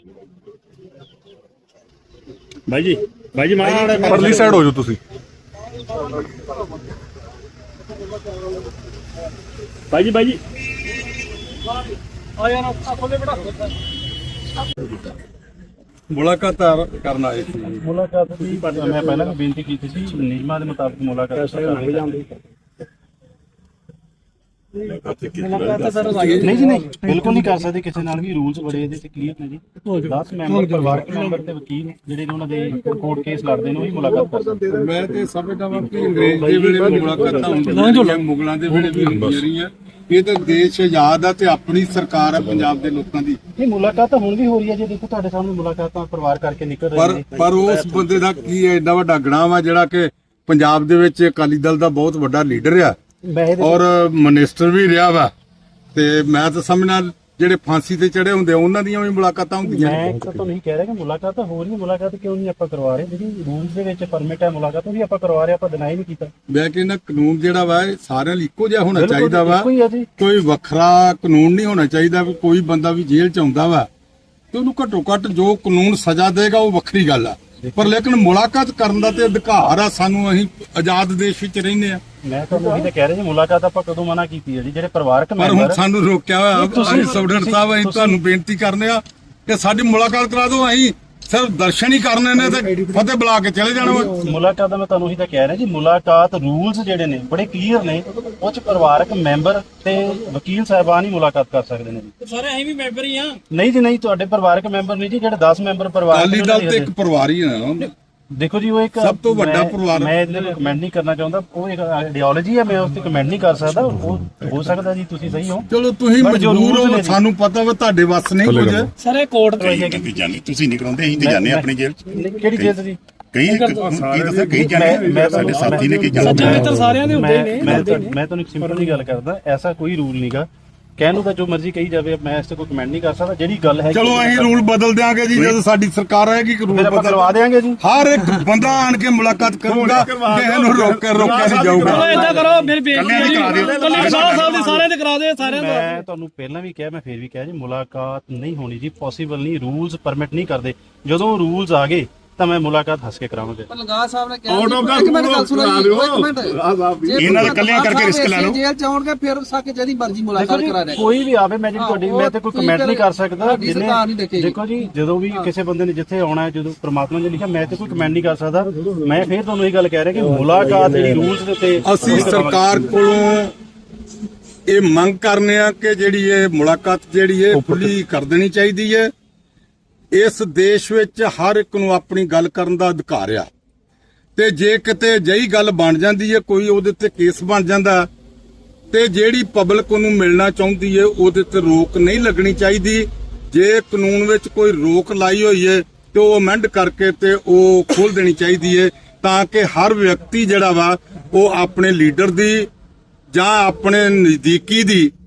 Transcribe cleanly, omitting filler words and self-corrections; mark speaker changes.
Speaker 1: भाई जी मारा
Speaker 2: परली साइड हो जाओ तुसी।
Speaker 1: भाई जी
Speaker 2: मुलाकात करना है।
Speaker 1: मुलाकात की मैं पहले भी बेनती की थी नियमां दे मुताबिक मुलाकात नहीं जी नहीं बिल्कुल नहीं कर सकते किसी नाल भी रूल्स बड़े ਇਹਦੇ ਤੇ ਕਲੀਅਰ ਨੇ ਜੀ 10 ਮੈਂਬਰ ਪਰਿਵਾਰਕ ਮੈਂਬਰ ਤੇ ਵਕੀਲ ਜਿਹੜੇ ਉਹਨਾਂ ਦੇ ਕੋਰਟ ਕੇਸ ਲੜਦੇ ਨੇ ਉਹੀ ਮੁਲਾਕਾਤ ਕਰ ਸਕਦੇ।
Speaker 2: ਮੈਂ ਤੇ ਸਮਝਦਾ ਵਾਂ ਕਿ ਅੰਗਰੇਜ਼ ਦੇ ਵੇਲੇ ਵੀ ਮੁਲਾਕਾਤਾਂ ਹੁੰਦੀਆਂ ਮੁਗਲਾਂ ਦੇ ਵੇਲੇ ਵੀ ਹੁੰਦੀਆਂ ਰਹੀਆਂ। ਇਹ ਤਾਂ ਦੇਸ਼ ਆਜ਼ਾਦ ਆ ਤੇ ਆਪਣੀ ਸਰਕਾਰ ਆ ਪੰਜਾਬ ਦੇ ਲੋਕਾਂ ਦੀ।
Speaker 1: ਇਹ ਮੁਲਾਕਾਤ ਹੁਣ ਵੀ ਹੋ ਰਹੀ ਹੈ ਜੀ ਦੇਖੋ ਤੁਹਾਡੇ ਸਾਹਮਣੇ ਮੁਲਾਕਾਤਾਂ ਪਰਿਵਾਰ ਕਰਕੇ ਨਿਕਲ ਰਹੇ ਨੇ
Speaker 2: ਪਰ ਉਸ ਬੰਦੇ ਦਾ ਕੀ ਹੈ ਐਡਾ ਵੱਡਾ ਗਣਾ ਵਾ ਜਿਹੜਾ ਕਿ ਪੰਜਾਬ ਦੇ ਵਿੱਚ ਅਕਾਲੀ ਦਲ ਦਾ ਬਹੁਤ ਵੱਡਾ ਲੀਡਰ ਆ ਔਰ ਮਿਨਿਸਟਰ ਵੀ ਰਿਹਾ ਵਾ ਤੇ ਮੈਂ ਤਾਂ ਸਮਝਣਾ ਜਿਹੜੇ ਫਾਂਸੀ ਤੇ ਚੜੇ ਹੁੰਦੇ ਉਹਨਾਂ ਦੀਆਂ ਵੀ ਮੁਲਾਕਾਤਾਂ ਹੁੰਦੀਆਂ।
Speaker 1: ਮੈਂ ਤਾਂ ਤੁਹਾਨੂੰ ਨਹੀਂ ਕਹਿ ਰਿਹਾ ਕਿ ਮੁਲਾਕਾਤ ਹੋ ਰਹੀ ਹੈ ਮੁਲਾਕਾਤ ਕਿਉਂ ਨਹੀਂ ਆਪਾਂ ਕਰਵਾ ਰਹੇ ਜਿਹੜੀ ਰੂਲਸ ਦੇ ਵਿੱਚ ਪਰਮਿਟ ਹੈ ਮੁਲਾਕਾਤ ਉਹ ਵੀ ਆਪਾਂ ਕਰਵਾ ਰਹੇ ਆਪਾਂ ਡਿਨਾਈ ਨਹੀਂ ਕੀਤਾ।
Speaker 2: ਮੈਂ ਕਹਿੰਦਾ ਕਾਨੂੰਨ ਜਿਹੜਾ ਵਾ ਇਹ ਸਾਰਿਆਂ ਲਈ ਇੱਕੋ ਜਿਹਾ ਹੋਣਾ ਚਾਹੀਦਾ ਵਾ ਕੋਈ ਵੱਖਰਾ ਕਾਨੂੰਨ ਨਹੀਂ ਹੋਣਾ ਚਾਹੀਦਾ ਵੀ ਕੋਈ ਬੰਦਾ ਵੀ ਜੇਲ੍ਹ ਚ ਆਉਂਦਾ ਵਾ ਤੇ ਉਹਨੂੰ ਘੱਟੋ ਘੱਟ ਜੋ ਕਾਨੂੰਨ ਸਜ਼ਾ ਦੇਗਾ ਉਹ ਵੱਖਰੀ ਗੱਲ ਆ ਪਰ ਲੇਕਿਨ ਮੁਲਾਕਾਤ ਕਰਨ ਦਾ ਤੇ ਅਧਿਕਾਰ ਆ ਸਾਨੂੰ। ਅਸੀਂ ਆਜ਼ਾਦ ਦੇਸ਼ ਵਿੱਚ ਰਹਿੰਦੇ ਆ।
Speaker 1: ਮੈਂ ਤੁਹਾਨੂੰ ਇਹ ਤਾਂ ਕਹਿ ਰਿਹਾ ਜੀ ਮੁਲਾਕਾਤ ਆਪਾਂ ਕਦੋਂ ਮਨਾ ਕੀਤੀ ਹੈ ਜੀ ਜਿਹੜੇ ਪਰਿਵਾਰਕ
Speaker 2: ਮੈਂਬਰ ਪਰ ਹੁਣ ਸਾਨੂੰ ਰੋਕਿਆ ਹੋਇਆ ਅਸੀਂ ਸਟੂਡੈਂਟ ਸਾਹਿਬ ਅਸੀਂ ਤੁਹਾਨੂੰ ਬੇਨਤੀ ਕਰਨੇ ਆ ਕਿ ਸਾਡੀ ਮੁਲਾਕਾਤ ਕਰਾ ਦਿਓ। ਅਸੀਂ ਸਿਰਫ ਦਰਸ਼ਨ ਹੀ ਕਰਨੇ ਨੇ ਤੇ ਫਤਿਹ ਬੁਲਾ ਕੇ ਚਲੇ ਜਾਣਾ।
Speaker 1: ਮੁਲਾਕਾਤ ਦਾ ਮੈਂ ਤੁਹਾਨੂੰ ਇਹੀ ਤਾਂ ਕਹਿ ਰਿਹਾ ਜੀ ਮੁਲਾਕਾਤ ਰੂਲਸ ਜਿਹੜੇ ਨੇ ਬੜੇ ਕਲੀਅਰ ਨੇ ਉਹ ਚ ਪਰਿਵਾਰਕ ਮੈਂਬਰ ਤੇ ਵਕੀਲ ਸਾਹਿਬਾਨ ਹੀ ਮੁਲਾਕਾਤ ਕਰ ਸਕਦੇ ਨੇ ਜੀ।
Speaker 3: ਸਾਰੇ ਅਸੀਂ ਵੀ ਮੈਂਬਰ ਹੀ ਆ।
Speaker 1: ਨਹੀਂ ਜੀ ਨਹੀਂ ਤੁਹਾਡੇ ਪਰਿਵਾਰਕ ਮੈਂਬਰ ਨਹੀਂ ਜੀ ਜਿਹੜੇ 10 ਮੈਂਬਰ ਪਰਿਵਾਰ
Speaker 2: ਅਕਾਲੀ ਦਲ ਤੇ ਇੱਕ ਪਰਿਵਾਰ ਹੀ ਆ।
Speaker 1: ਦੇਖੋ ਜੀ ਉਹ ਇੱਕ
Speaker 2: ਸਭ ਤੋਂ ਵੱਡਾ ਪਰਿਵਾਰ
Speaker 1: ਮੈਂ ਇਹਦੇ ਤੇ ਕਮੈਂਟ ਨਹੀਂ ਕਰਨਾ ਚਾਹੁੰਦਾ ਉਹ ਇੱਕ ਆਈਡੀਓਲੋਜੀ ਹੈ ਮੈਂ ਉਸ ਤੇ ਕਮੈਂਟ ਨਹੀਂ ਕਰ ਸਕਦਾ। ਉਹ ਹੋ ਸਕਦਾ ਜੀ ਤੁਸੀਂ ਸਹੀ ਹੋ
Speaker 2: ਚਲੋ ਤੁਸੀਂ ਮਜਬੂਰ ਹੋ ਸਾਨੂੰ ਪਤਾ ਵਾ ਤੁਹਾਡੇ ਵੱਸ ਨਹੀਂ ਕੁਝ।
Speaker 3: ਸਾਰੇ ਕੋਰਟ
Speaker 4: ਤੁਸੀਂ ਜਾਂਦੇ ਤੁਸੀਂ ਨਹੀਂ ਕਰਾਉਂਦੇ ਅਸੀਂ ਤੇ ਜਾਂਦੇ ਆਪਣੀ ਜੇਲ੍ਹ ਚ।
Speaker 1: ਕਿਹੜੀ ਜੇਲ੍ਹ ਜੀ
Speaker 4: ਕਈ ਦੱਸਿਆ ਕਈ ਜਾਂਦੇ ਸਾਡੇ ਸਾਥੀ ਨੇ ਕਈ ਜਾਂਦੇ
Speaker 3: ਸਾਰਿਆਂ ਦੇ ਹੁੰਦੇ ਨੇ।
Speaker 1: ਮੈਂ ਤੁਹਾਨੂੰ ਇੱਕ ਸਿੰਪਲ ਜੀ ਗੱਲ ਕਰਦਾ ਐਸਾ ਕੋਈ ਰੂਲ ਨਹੀਂਗਾ ਕਹਿਣ ਨੂੰ ਤਾਂ ਜੋ ਮਰਜ਼ੀ ਕਹੀ ਜਾਵੇ ਮੈਂ ਇਸ ਤੇ ਕੋਈ ਕਮੈਂਟ ਨਹੀਂ ਕਰ ਸਕਦਾ। ਜਿਹੜੀ ਗੱਲ ਹੈ
Speaker 2: ਚਲੋ ਅਸੀਂ ਰੂਲ ਬਦਲ ਦਿਆਂਗੇ ਜੀ ਜਦੋਂ ਸਾਡੀ ਸਰਕਾਰ ਆਏਗੀ ਕਿ ਰੂਲ
Speaker 1: ਆਪਾਂ ਕਰਵਾ ਦੇਾਂਗੇ ਜੀ।
Speaker 2: ਹਰ ਇੱਕ ਬੰਦਾ ਆਣ ਕੇ ਮੁਲਾਕਾਤ ਕਰੂਗਾ ਕਿਸੇ ਨੂੰ ਰੋਕਿਆ ਨਹੀਂ ਜਾਊਗਾ।
Speaker 3: ਚਲੋ ਏਦਾਂ ਕਰੋ ਮੇਰੇ ਬੇਨਤੀ ਕਰਾ ਦਿਓ ਸਾਹਿਬ ਦੇ ਸਾਰਿਆਂ ਦੇ ਕਰਾ ਦਿਓ ਸਾਰਿਆਂ ਦਾ।
Speaker 1: ਮੈਂ ਤੁਹਾਨੂੰ ਪਹਿਲਾਂ ਵੀ ਕਿਹਾ ਮੈਂ ਫੇਰ ਵੀ ਕਿਹਾ ਜੀ ਮੁਲਾਕਾਤ ਨਹੀਂ ਹੋਣੀ ਜੀ ਪੋਸੀਬਲ ਨਹੀਂ ਰੂਲਸ ਪਰਮਿਟ ਨਹੀਂ ਕਰਦੇ। ਜਦੋਂ ਰੂਲਸ ਆ ਗਏ ਤਾਂ ਮੈਂ ਮੁਲਾਕਾਤ ਹੱਸ ਕੇ ਕਰਾਵਾਂਗੇ।
Speaker 5: ਲਗਾ ਸਾਹਿਬ ਨੇ ਕਿਹਾ ਇੱਕ ਮਿੰਟ ਗੱਲ ਸੁਣੋ ਜੀ ਇੱਕ ਮਿੰਟ
Speaker 4: ਇਹਨਾਂ ਦੇ ਕੱਲਿਆਂ ਕਰਕੇ ਰਿਸਕ ਲੈ ਲਓ।
Speaker 5: ਜੇਲ੍ਹ ਚ ਆਉਣਗੇ ਫਿਰ ਸਾਕੇ ਜਿਹਦੀ ਮਰਜ਼ੀ ਮੁਲਾਕਾਤ ਕਰਾ ਦੇ
Speaker 1: ਕੋਈ ਵੀ ਆਵੇ ਮੈਂ ਜੀ ਤੁਹਾਡੀ ਮੈਂ ਤੇ ਕੋਈ ਕਮੈਂਟ ਨਹੀਂ ਕਰ ਸਕਦਾ। ਦੇਖੋ ਜੀ ਜਦੋਂ ਵੀ ਕਿਸੇ ਬੰਦੇ ਨੇ ਜਿੱਥੇ ਆਉਣਾ ਹੈ ਜਦੋਂ ਪ੍ਰਮਾਤਮਾ ਨੇ ਲਿਖਿਆ ਮੈਂ ਤੇ ਕੋਈ ਕਮੈਂਟ ਨਹੀਂ ਕਰ ਸਕਦਾ। ਮੈਂ ਫੇਰ ਤੁਹਾਨੂੰ ਇਹ ਗੱਲ ਕਹਿ ਰਿਹਾ ਕਿ ਮੁਲਾਕਾਤ ਜਿਹੜੀ ਰੂਲਸ ਦੇ ਉੱਤੇ
Speaker 2: ਅਸੀਂ ਸਰਕਾਰ ਕੋਲੋਂ ਇਹ ਮੰਗ ਕਰਨੇ ਆ ਕਿ ਜਿਹੜੀ ਇਹ ਮੁਲਾਕਾਤ ਜਿਹੜੀ ਹੈ ਖੁੱਲੀ ਕਰ ਦੇਣੀ ਚਾਹੀਦੀ ਹੈ। ਇਸ ਦੇਸ਼ ਵਿੱਚ ਹਰ ਇੱਕ ਨੂੰ ਆਪਣੀ ਗੱਲ ਕਰਨ ਦਾ ਅਧਿਕਾਰ ਆ ਤੇ ਜੇ ਕਿਤੇ ਅਜਿਹੀ ਗੱਲ ਬਣ ਜਾਂਦੀ ਹੈ ਕੋਈ ਉਹਦੇ ਤੇ ਕੇਸ ਬਣ ਜਾਂਦਾ ਤੇ ਜਿਹੜੀ ਪਬਲਿਕ ਉਹਨੂੰ ਮਿਲਣਾ ਚਾਹੁੰਦੀ ਹੈ ਉਹਦੇ ਤੇ ਰੋਕ ਨਹੀਂ ਲੱਗਣੀ ਚਾਹੀਦੀ। ਜੇ ਕਾਨੂੰਨ ਵਿੱਚ ਕੋਈ ਰੋਕ ਲਾਈ ਹੋਈ ਹੈ ਤੇ ਉਹ ਅਮੈਂਡ ਕਰਕੇ ਤੇ ਉਹ ਖੋਲ ਦੇਣੀ ਚਾਹੀਦੀ ਹੈ ਤਾਂ ਕਿ ਹਰ ਵਿਅਕਤੀ ਜਿਹੜਾ ਵਾ ਉਹ ਆਪਣੇ ਲੀਡਰ ਦੀ ਜਾਂ ਆਪਣੇ ਨਜ਼ਦੀਕੀ ਦੀ